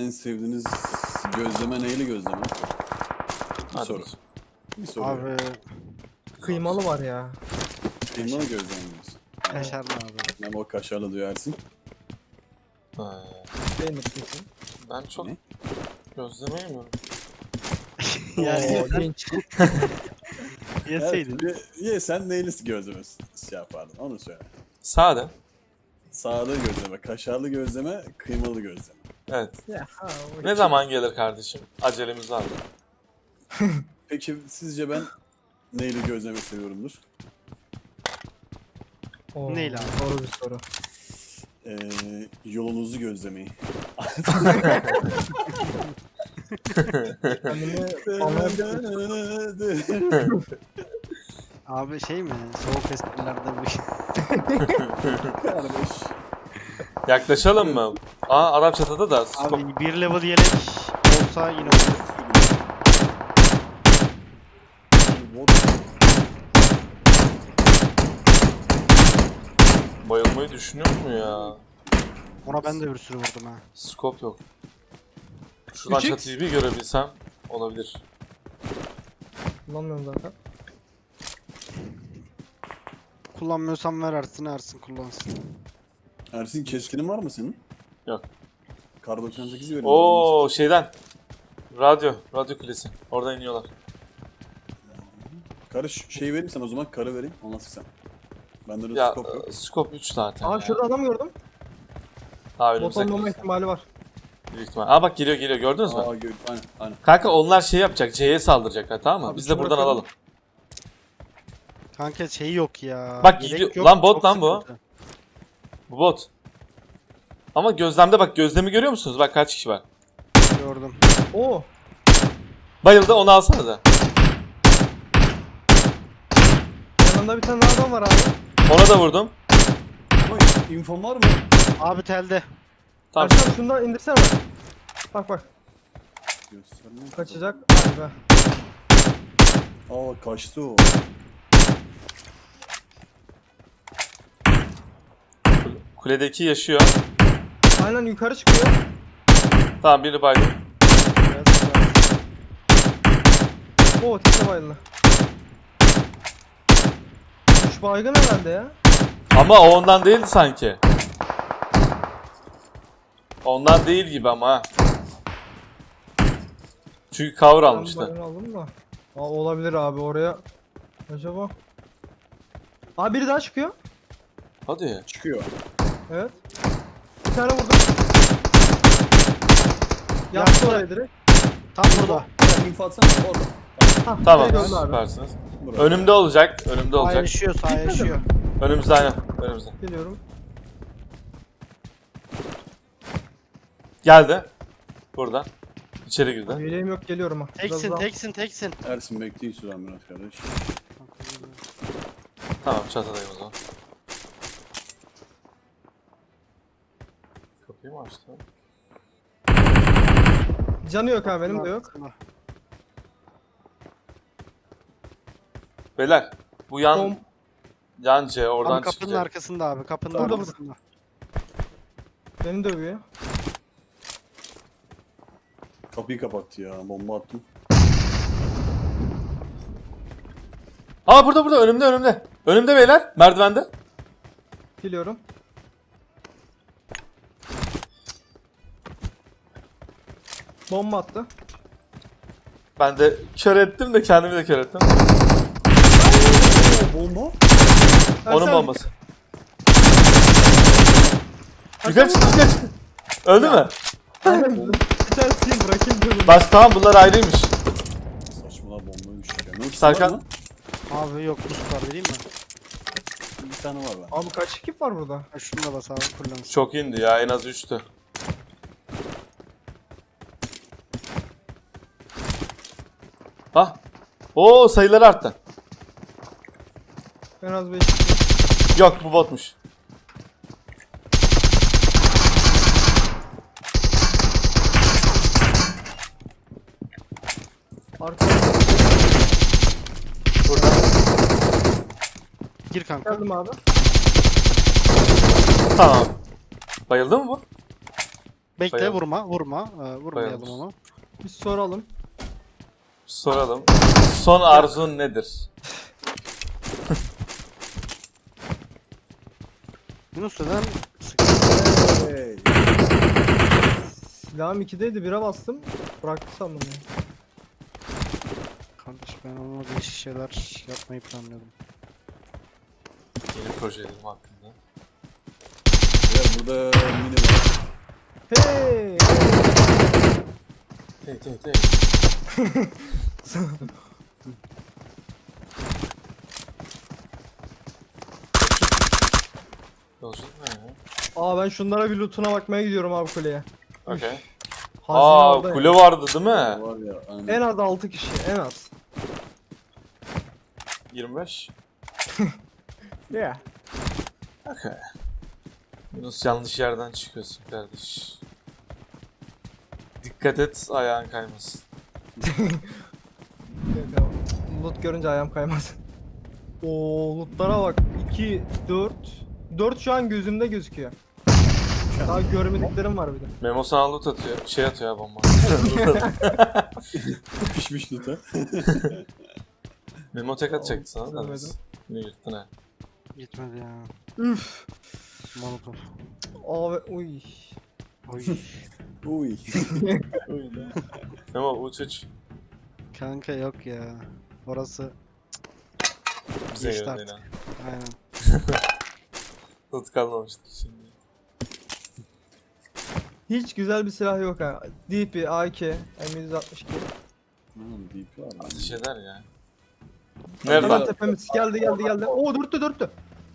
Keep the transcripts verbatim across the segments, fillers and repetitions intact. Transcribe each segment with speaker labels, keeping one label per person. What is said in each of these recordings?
Speaker 1: en sevdiğiniz gözleme neyli gözleme? Bir
Speaker 2: Hadi.
Speaker 1: soru. Bir soru.
Speaker 3: Abi
Speaker 4: Kıymalı var ya.
Speaker 1: Kıymalı gözlemimiz.
Speaker 3: kaşarlı abi.
Speaker 1: Memo kaşarlı duyarsın.
Speaker 2: Ha,
Speaker 4: Beğenir kesin.
Speaker 2: ben çok
Speaker 1: Ne?
Speaker 2: gözleme yemiyorum.
Speaker 3: Yani
Speaker 4: Oo, genç.
Speaker 3: yeseydin.
Speaker 1: Ye, ye sen neyli gözleme şey yapardın onu söyle.
Speaker 2: Sade.
Speaker 1: Sağlı gözleme, kaşarlı gözleme, kıymalı gözleme.
Speaker 2: Evet.
Speaker 4: Ya, ha, o
Speaker 2: Ne zaman gelir kardeşim? Acelemiz var mı?
Speaker 1: Peki sizce ben neyli gözleme seviyorumdur?
Speaker 4: Oo,
Speaker 3: Neyle abi?
Speaker 4: Doğru bir soru.
Speaker 1: Ee, yolunuzu gözlemeyi.
Speaker 4: Kendimi anlayabilirim.
Speaker 3: Abi şey mi? Soğuk esprilerde bu şey.
Speaker 1: Kardeş.
Speaker 2: Yaklaşalım mı? Aa Arap çatıda da.
Speaker 3: Abi bir level yelek olsa yine olur.
Speaker 2: Bayılmayı düşünüyor mu ya?
Speaker 3: Ona ben de bir sürü vurdum ha.
Speaker 2: Scope yok. Şuradan
Speaker 4: üç x.
Speaker 2: çatıyı bir görebilsem olabilir.
Speaker 4: Kullanmıyorum zaten.
Speaker 3: Kullanmıyorsan ver Ersin, Ersin kullansın.
Speaker 1: Ersin keskinin var mı senin?
Speaker 2: Yok.
Speaker 1: Kar doksan sekiz verin.
Speaker 2: Oo şeyden. Radyo. Radyo kulesi. Oradan iniyorlar.
Speaker 1: Karı ş- şey vereyim sen o zaman karı vereyim. Ondan sen. Bende de
Speaker 2: Ya
Speaker 1: scope yok.
Speaker 2: e, scope üç zaten
Speaker 4: Aa
Speaker 2: ya.
Speaker 4: şurada adam gördüm.
Speaker 2: Daha önümüzde
Speaker 4: Bot olmama
Speaker 2: kalırsa.
Speaker 4: ihtimali var.
Speaker 2: Büyük ihtimal. Aa bak geliyor geliyor gördünüz mü?
Speaker 1: Aa gör. Aynen aynen.
Speaker 2: Kanka onlar şey yapacak. C'ye saldıracaklar tamam mı?
Speaker 4: Abi
Speaker 2: Biz de
Speaker 4: şunu
Speaker 2: buradan
Speaker 4: bırakalım.
Speaker 2: alalım.
Speaker 3: Kanka şey yok ya.
Speaker 2: Bak
Speaker 3: Yelek
Speaker 2: gidiyor-
Speaker 3: yok,
Speaker 2: lan bot
Speaker 3: çok
Speaker 2: lan bu.
Speaker 3: sıkıntı.
Speaker 2: Bu bot. Ama gözlemde bak gözlemi görüyor musunuz? Bak kaç kişi var.
Speaker 3: Gördüm.
Speaker 4: Oo.
Speaker 2: Bayıldı onu alsana da.
Speaker 4: Yanında bir tane daha adam var abi.
Speaker 2: Ona da vurdum.
Speaker 1: Ama infom var mı?
Speaker 3: Abi telde.
Speaker 2: Tamam.
Speaker 4: Erşan şunu da indirsene bak. Bak bak.
Speaker 1: Göstermiyor.
Speaker 4: Kaçacak. Hadi be.
Speaker 1: Aa kaçtı o.
Speaker 2: Kuledeki yaşıyor.
Speaker 4: Aynen yukarı çıkıyor.
Speaker 2: Tamam biri baydı.
Speaker 4: Oo teke bayıldı. Üç baygın herhalde ya.
Speaker 2: Ama o ondan değildi sanki. Ondan değil gibi ama ha. Çünkü cover
Speaker 4: Ben
Speaker 2: almıştı.
Speaker 4: baygın aldım da. Aa, olabilir abi oraya. Acaba. Abi biri daha çıkıyor.
Speaker 2: Hadi.
Speaker 1: Çıkıyor.
Speaker 4: Evet. Bir tane vurdum. Yaptı
Speaker 3: Yaptı.
Speaker 4: oraya direkt.
Speaker 3: Tam burada.
Speaker 1: Sen info atsana orada.
Speaker 4: Hah,
Speaker 2: Tamam
Speaker 4: direkt öldü abi.
Speaker 2: süpersiniz.
Speaker 1: Buraya.
Speaker 2: Önümde olacak. Önümde
Speaker 3: Sağ
Speaker 2: olacak.
Speaker 3: yaşıyor, sağ
Speaker 4: Gitmedi
Speaker 3: yaşıyor.
Speaker 4: mi?
Speaker 2: Önümüzde aynen. Önümüzde.
Speaker 4: Geliyorum.
Speaker 2: Geldi. Burada. İçeri girdi.
Speaker 4: Yeleğim yok geliyorum ha. Biraz
Speaker 3: Teksin,
Speaker 4: daha-
Speaker 3: teksin, teksin.
Speaker 1: Ersin bekleyin şuradan biraz kardeş.
Speaker 2: Tamam çatıdayım o zaman. Kapıyı mı açtı?
Speaker 4: Canı yok abi benim de yok.
Speaker 2: Beyler bu yan
Speaker 4: Bom.
Speaker 2: yan C oradan
Speaker 3: Abi kapının
Speaker 2: çıkacak.
Speaker 3: arkasında abi, kapının
Speaker 4: Orada, burada.
Speaker 3: arkasında.
Speaker 4: Beni dövüyor.
Speaker 1: Kapıyı kapattı ya. Bomba attım.
Speaker 2: Aa burada burada önümde önümde. Önümde beyler merdivende.
Speaker 4: Geliyorum. Bomba attı.
Speaker 2: Ben de kör ettim de kendimi de kör ettim.
Speaker 1: Oo, bomba.
Speaker 2: Onun
Speaker 4: Ersen,
Speaker 2: bombası.
Speaker 4: Ersen
Speaker 2: Yukarı çık yukarı çık. Öldü mü?
Speaker 4: Aynen. Bir tane sil bırakayım dedim.
Speaker 2: Baş tamam bunlar ayrıymış.
Speaker 1: Saçmalama bombaymış ya. Ne
Speaker 2: Serkan.
Speaker 1: var mı?
Speaker 3: Abi yok, boost var vereyim mi?
Speaker 1: Bir tane var lan.
Speaker 4: Abi kaç ekip var burada?
Speaker 3: Ha, şunu da bas abi, kullansın.
Speaker 2: Çok indi ya en az üçtü. Ah. Oo sayıları arttı.
Speaker 4: En az beş ekip.
Speaker 2: Yok bu botmuş.
Speaker 4: Arkada
Speaker 2: Burada.
Speaker 3: Gir kanka.
Speaker 4: geldim abi.
Speaker 2: Tamam. Bayıldı mı bu?
Speaker 3: Bekle
Speaker 2: Bayıldım.
Speaker 3: vurma vurma. Ee, vurmayalım
Speaker 2: Bayıldım.
Speaker 3: onu.
Speaker 4: Bir soralım.
Speaker 2: Soralım. Son arzun nedir?
Speaker 3: Yunus neden
Speaker 1: Hey.
Speaker 4: Silahım ikideydi, bire bastım. Bıraktı sandım ya.
Speaker 3: Kardeş ben onunla değişik şeyler yapmayı planlıyordum.
Speaker 2: Yeni projelerim hakkında.
Speaker 1: Ya burada mini var.
Speaker 4: Hey!
Speaker 2: Hey hey hey. Yolculuk ne ya?
Speaker 4: Aa ben şunlara bir lootuna bakmaya gidiyorum abi kuleye.
Speaker 2: Okey.
Speaker 4: Hazine
Speaker 2: Aa
Speaker 4: orada ya.
Speaker 2: kule vardı değil mi?
Speaker 1: Var ya. Aynen.
Speaker 4: En az altı kişi, en az.
Speaker 2: yirmi beş.
Speaker 4: Yeah.
Speaker 2: Okey. Yunus yanlış yerden çıkıyorsun kardeş. Dikkat et ayağın kaymasın.
Speaker 4: Loot görünce ayağım kaymaz. Oo lootlara bak. iki, dört. dört şu an gözümde gözüküyor. Daha görmediklerim var bir de.
Speaker 2: Memo sana loot atıyor. Şey atıyor ya bomba.
Speaker 1: Pişmiş loot ha.
Speaker 2: Memo tek atacaktı sana da.
Speaker 4: Görmedim.
Speaker 2: Yine yırttın ha.
Speaker 3: Gitmedi ya.
Speaker 4: Üf.
Speaker 3: Molotov.
Speaker 4: Abi uy.
Speaker 3: Oy.
Speaker 1: Uy.
Speaker 2: Memo uç uç.
Speaker 3: Kanka yok ya. Orası
Speaker 2: Bize
Speaker 3: Geçti
Speaker 2: göre
Speaker 3: artık.
Speaker 2: değil ha.
Speaker 3: aynen.
Speaker 2: Loot kalmamıştır şimdi.
Speaker 4: Hiç güzel bir silah yok ha. D P, A K, M yüz altmış iki.
Speaker 1: Tamam D P var.
Speaker 2: Ateş eder ya.
Speaker 4: Hemen
Speaker 2: Nereden?
Speaker 4: tepemiz geldi geldi geldi. Oo dörttü dörttü.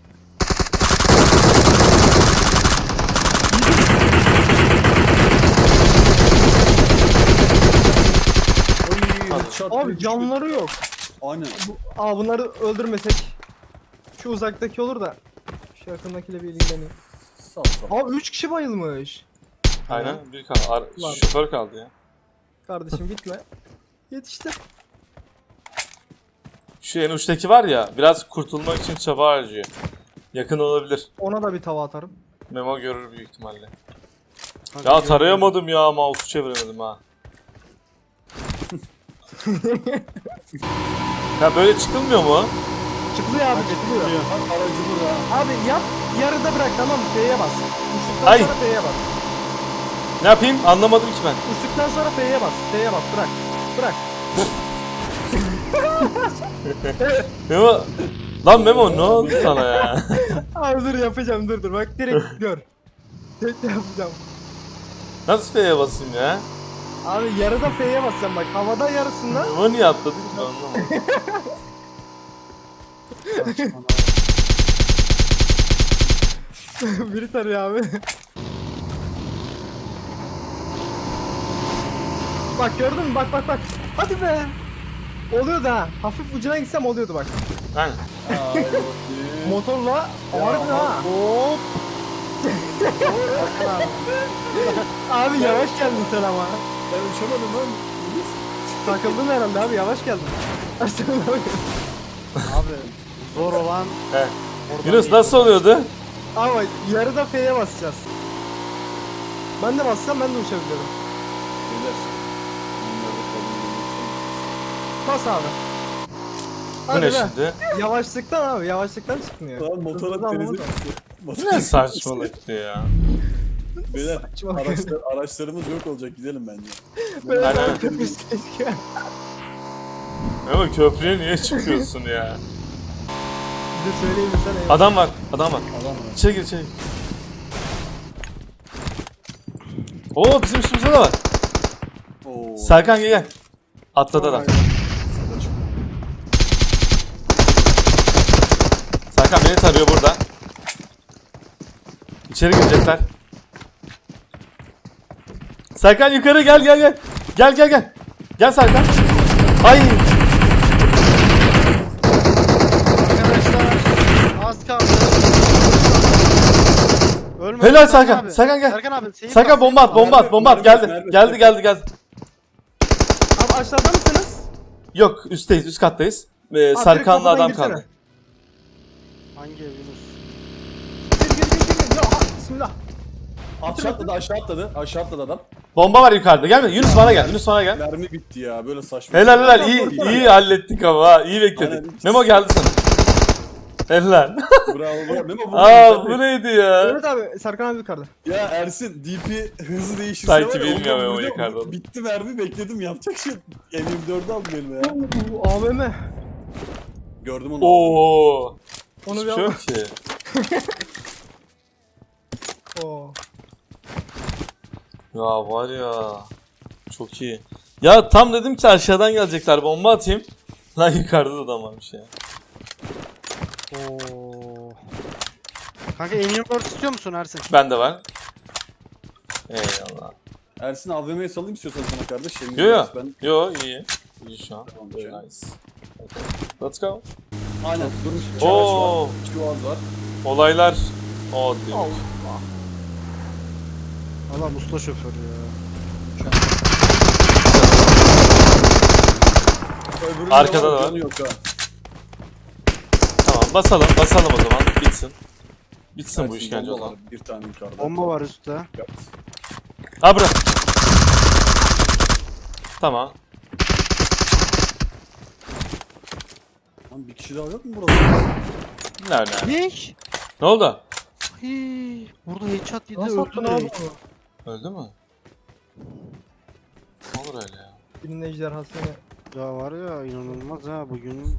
Speaker 1: Çat
Speaker 4: Abi
Speaker 1: diye
Speaker 4: canları yok.
Speaker 1: düştü. Aynen.
Speaker 4: Bu, aa bunları öldürmesek. Şu uzaktaki olur da. Şu yakındakiyle bir ilgileneyim.
Speaker 1: Sağ sağ.
Speaker 4: Abi üç kişi bayılmış.
Speaker 2: Aynen bir kaldı. Ar-
Speaker 4: Var.
Speaker 2: şoför kaldı ya.
Speaker 4: Kardeşim gitme. Yetiştir.
Speaker 2: Şu en uçtaki var ya biraz kurtulmak için çaba harcıyor. Yakın olabilir.
Speaker 4: Ona da bir tava atarım.
Speaker 2: Memo görür büyük ihtimalle.
Speaker 3: Kanka
Speaker 2: Ya
Speaker 3: yok.
Speaker 2: tarayamadım ya mouse'u çeviremedim ha. Ya böyle çıkılmıyor mu?
Speaker 4: Çıkılıyor abi çıkılıyor.
Speaker 1: Aracı burada.
Speaker 4: Abi yap yarıda bırak tamam mı? F'ye bas. Uçtuktan
Speaker 2: Ay.
Speaker 4: sonra F'ye bas.
Speaker 2: Ne yapayım? Anlamadım ki ben.
Speaker 4: Uçtuktan sonra F'ye bas. F'ye bas bırak. Bırak.
Speaker 2: Memo... Lan Memo ne oldu sana ya?
Speaker 4: Abi dur yapacağım dur dur bak direkt gör. Tek de yapacağım.
Speaker 2: Nasıl F'ye basayım ya?
Speaker 4: Abi yarıda F'ye basacağım bak havada yarısında.
Speaker 2: Memo niye atladı ki ben anlamadım.
Speaker 3: Saçmalama.
Speaker 4: Biri tarıyor abi. Bak gördün mü bak bak bak. Hadi be. Oluyordu ha. Hafif ucuna gitsem oluyordu bak.
Speaker 2: Aynen.
Speaker 1: Ay bakayım.
Speaker 4: Motorla harbi ha.
Speaker 3: Hop.
Speaker 4: Abi yavaş geldin sen ama.
Speaker 1: Ben uçamadım lan.
Speaker 4: Takıldın herhalde abi yavaş geldin.
Speaker 3: Abi zor olan
Speaker 2: He.
Speaker 3: oradan
Speaker 2: Yunus
Speaker 3: iyi.
Speaker 2: nasıl oluyordu?
Speaker 4: Ama yarıda F'ye basacağız. Ben de bassam ben de uçabilirim.
Speaker 1: Beyler. Bunları da kabul ediyorsunuz.
Speaker 4: Bas abi.
Speaker 2: Bu
Speaker 4: Hadi
Speaker 2: ne
Speaker 4: be.
Speaker 2: şimdi?
Speaker 4: Yavaşlıktan abi yavaşlıktan çıkmıyor.
Speaker 1: Lan motora
Speaker 4: Hızlı
Speaker 1: denize
Speaker 4: anlamadım.
Speaker 1: düştü.
Speaker 2: Bu
Speaker 1: Motora
Speaker 2: ne saçmalıktı ya?
Speaker 1: Beyler
Speaker 4: Saçma.
Speaker 1: araçlar, araçlarımız yok olacak gidelim bence.
Speaker 4: Böyle
Speaker 2: Aynen.
Speaker 4: daha köpüş keşke.
Speaker 2: Memo köprüye niye çıkıyorsun ya?
Speaker 4: Bir de söyleyeyim mi sana? ya.
Speaker 2: Adam var, adam var.
Speaker 1: Adam var.
Speaker 2: İçeri gir, içeri gir. Oo bizim üstümüzde de var.
Speaker 1: Oo.
Speaker 2: Serkan gel gel. Atladı adam. Serkan beni tarıyor burada. İçeri girecekler. Serkan yukarı gel gel gel. Gel gel gel. Gel Serkan. Ay.
Speaker 3: Arkadaşlar az kaldı. Ölme.
Speaker 2: Helal Serkan.
Speaker 3: abi.
Speaker 2: Serkan gel.
Speaker 3: Serkan abi. seyir
Speaker 2: Serkan
Speaker 3: bas,
Speaker 2: bomba at,
Speaker 3: seyir bas.
Speaker 2: bomba at, bomba at. Geldi. Geldi, geldi, geldi.
Speaker 4: Abi aşağıda mısınız?
Speaker 2: Yok, üstteyiz, üst kattayız. Ee,
Speaker 4: direkt
Speaker 2: Serkan'la
Speaker 4: kapıdan
Speaker 2: adam
Speaker 4: girsene.
Speaker 2: kaldı.
Speaker 3: Hangi ev Yunus?
Speaker 4: Gir gir gir gir. Ya ah, bismillah.
Speaker 1: Aşağı atladı, aşağı atladı. Aşağı atladı adam.
Speaker 2: Bomba var yukarıda. Gelme. Yunus bana gel. Yunus bana gel.
Speaker 1: Mermi bitti ya, böyle saçma.
Speaker 2: Helal helal. İyi iyi hallettik ama ha. İyi bekledik.
Speaker 1: Aynen.
Speaker 2: Memo geldi sana. Helal.
Speaker 1: Bravo bravo. Memo bu.
Speaker 2: Aa bu neydi ya?
Speaker 4: Evet abi Serkan abi yukarıda.
Speaker 1: Ya Ersin, D P hızlı değişirse
Speaker 2: Sanki
Speaker 1: var ya,
Speaker 2: bilmiyor
Speaker 1: ondan
Speaker 2: Memo
Speaker 1: vuracağım.
Speaker 2: yukarıda.
Speaker 1: Bitti mermi, bekledim, yapacak şey. M yirmi dördü aldım elime ya.
Speaker 4: Oo, A V M.
Speaker 1: Gördüm onu.
Speaker 2: Oo.
Speaker 4: Onu
Speaker 2: Hiçbir
Speaker 4: bir
Speaker 2: şey
Speaker 4: al.
Speaker 2: yok ki.
Speaker 4: Oo.
Speaker 2: Ya var ya. Çok iyi. Ya tam dedim ki aşağıdan gelecekler. Bomba atayım. Lan yukarıda da adam varmış ya.
Speaker 3: Oo. Kanka M yirmi dört istiyor musun Ersin?
Speaker 2: Bende var. Eyvallah.
Speaker 1: Ersin A V M'ye salayım istiyorsan sana kardeş. M yirmi
Speaker 2: Yo yo.
Speaker 1: dört Ben...
Speaker 2: Yo iyi. İyi şu an.
Speaker 1: Tamam,
Speaker 2: Very
Speaker 1: canım.
Speaker 2: nice. Okay. Let's go.
Speaker 1: Aynen. Durmuş.
Speaker 2: Oo.
Speaker 1: var. Çuvaz var.
Speaker 2: Olaylar. O diyor.
Speaker 3: Allah musla şoför ya.
Speaker 1: Öbürünün
Speaker 2: Arkada
Speaker 1: de
Speaker 2: da var.
Speaker 1: canı Yok ha.
Speaker 2: Tamam basalım. Basalım o zaman. Bitsin. Bitsin bu
Speaker 1: Ersin,
Speaker 2: işkence o
Speaker 1: bomba
Speaker 2: zaman.
Speaker 1: var, bir tane yukarıda.
Speaker 3: Bomba var üstte.
Speaker 1: Yap.
Speaker 2: Ha bırak. Tamam.
Speaker 1: Lan bir kişi daha yok mu burada?
Speaker 2: Nerede?
Speaker 3: Ne?
Speaker 2: Ne oldu?
Speaker 3: Hii, burada headshot yedi
Speaker 4: Nasıl attın
Speaker 3: öldü.
Speaker 4: abi onu?
Speaker 2: Öldü mü? Ne olur öyle ya.
Speaker 4: Birinin ejderhasını.
Speaker 3: Ya var ya inanılmaz ha bugün.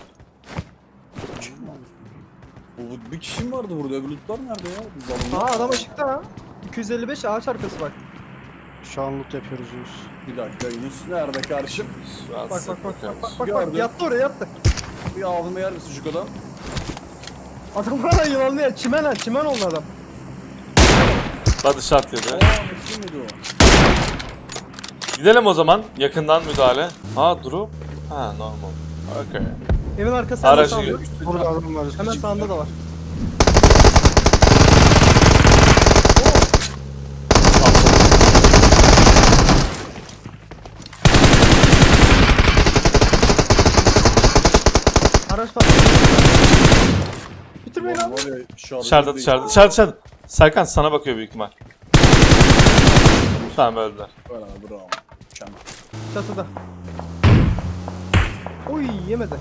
Speaker 1: Bu bir kişi mi vardı burada? Öbür lootlar nerede ya? Zalımlar.
Speaker 4: Aa adam ışıkta ha. iki yüz elli beş ağaç arkası bak.
Speaker 3: Şu an loot yapıyoruz Yunus.
Speaker 1: Bir dakika, Yunus nerede kardeşim?
Speaker 4: Bak bak bak bak bak bak bak,
Speaker 1: Gördüm.
Speaker 4: bak. Yattı oraya yattı.
Speaker 1: Bir ağzıma yer misin şu kadar?
Speaker 4: Adam hala yılanlı ya. Çimen ha çimen oldu adam.
Speaker 2: Body shot yedi.
Speaker 1: Aa, nasıl mıydı o?
Speaker 2: Gidelim o zaman. Yakından müdahale. Ha drop. Ha normal. Okay.
Speaker 4: Evin arkasında
Speaker 2: Aracı
Speaker 4: sağında.
Speaker 2: gör.
Speaker 3: Burada adam var üstte.
Speaker 4: Hemen sağında da var. Araç var. Bitirmeyin
Speaker 1: Ulan
Speaker 4: abi.
Speaker 1: var ya, şarjı
Speaker 2: Dışarıda
Speaker 1: değil.
Speaker 2: dışarıda. Dışarıda dışarıda. Serkan sana bakıyor büyük ihtimal. Tamam öldüler.
Speaker 1: Bravo bravo. Mükemmel.
Speaker 4: Çatıda. Oy yemedi.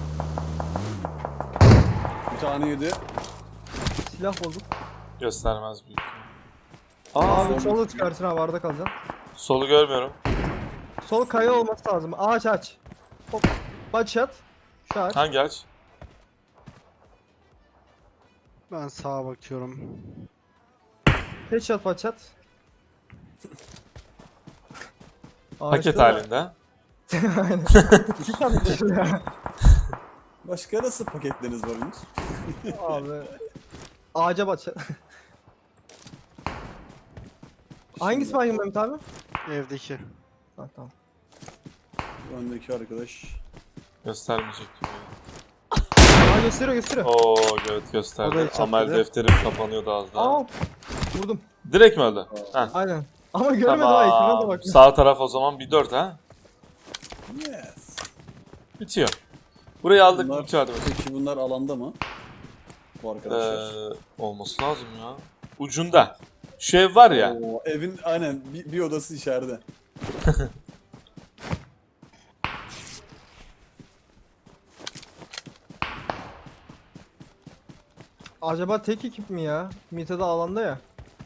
Speaker 1: Bir tane yedi.
Speaker 4: Silah bulduk.
Speaker 2: Göstermez büyük ihtimal.
Speaker 4: Aa,
Speaker 2: Aa,
Speaker 4: abi solu çıkarsın abi arada kalacaksın.
Speaker 2: solu görmüyorum.
Speaker 4: Sol kaya olması lazım. Ağaç aç. Hop. Başlat. Şu ağaç.
Speaker 2: Hangi aç?
Speaker 3: Ben sağa bakıyorum.
Speaker 4: Headshot başlat.
Speaker 2: Paket halinde.
Speaker 4: Aynen. İki tane düşün ya.
Speaker 1: Başka nasıl paketleriniz var Yunus?
Speaker 4: Abi. Ağaca başlat. Hangisi baygın Mehmet abi?
Speaker 3: Evdeki.
Speaker 4: Ha, tamam.
Speaker 1: Öndeki arkadaş.
Speaker 2: Göstermeyecek gibi.
Speaker 4: Aa gösteriyor gösteriyor.
Speaker 2: Oo evet
Speaker 3: O da
Speaker 2: gösterdi.
Speaker 3: hiç
Speaker 2: Amel
Speaker 3: yapmadı.
Speaker 2: defterim kapanıyordu az daha.
Speaker 4: Aa. Vurdum.
Speaker 2: Direkt mi öldü? Heh.
Speaker 4: Aynen. Ama görmedim ha ekrana da
Speaker 2: Tamam.
Speaker 4: bak.
Speaker 2: Sağ taraf o zaman bir dört ha.
Speaker 1: Yes.
Speaker 2: Bitiyor. Burayı aldık
Speaker 1: Bunlar,
Speaker 2: bitiyor hadi bakalım.
Speaker 1: peki bunlar alanda mı? Bu arkadaşlar.
Speaker 2: Ee, olması lazım ya. Ucunda. Şu ev var ya.
Speaker 1: Oo, evin aynen bir, bir odası içeride.
Speaker 4: Acaba tek ekip mi ya? Mita'da alanda ya.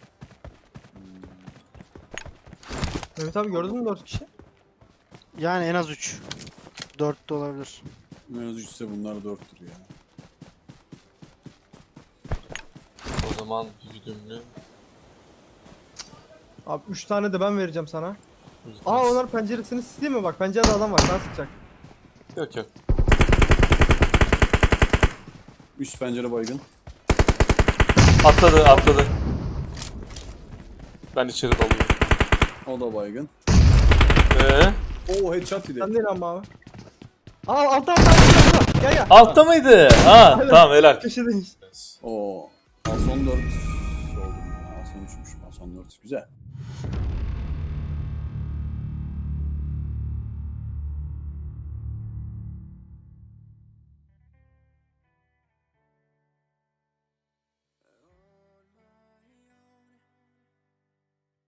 Speaker 4: Mehmet abi gördün mü dört kişi?
Speaker 3: Yani en az üç. dört de olabilir.
Speaker 1: En az üçse bunlar dörttür ya.
Speaker 2: O zaman bir güdümlü.
Speaker 4: Abi üç tane de ben vereceğim sana. Aa onlar penceresini sileyim mi bak pencerede adam var ben sıkacak.
Speaker 2: Yok yok.
Speaker 1: Üst pencere baygın.
Speaker 2: Atladı atladı. Ben içeri dalıyorum.
Speaker 1: O da baygın.
Speaker 2: Ee,
Speaker 1: Oo headshot yedi.
Speaker 4: Sen değil ama abi. Aa altta altta altta gel gel.
Speaker 2: altta mıydı? Ha
Speaker 4: Aynen.
Speaker 2: tamam helal.
Speaker 4: Köşedeyiz.
Speaker 1: Oo. Ason dört. Oldum ya. Ason üçmüş. Ason dört. Güzel.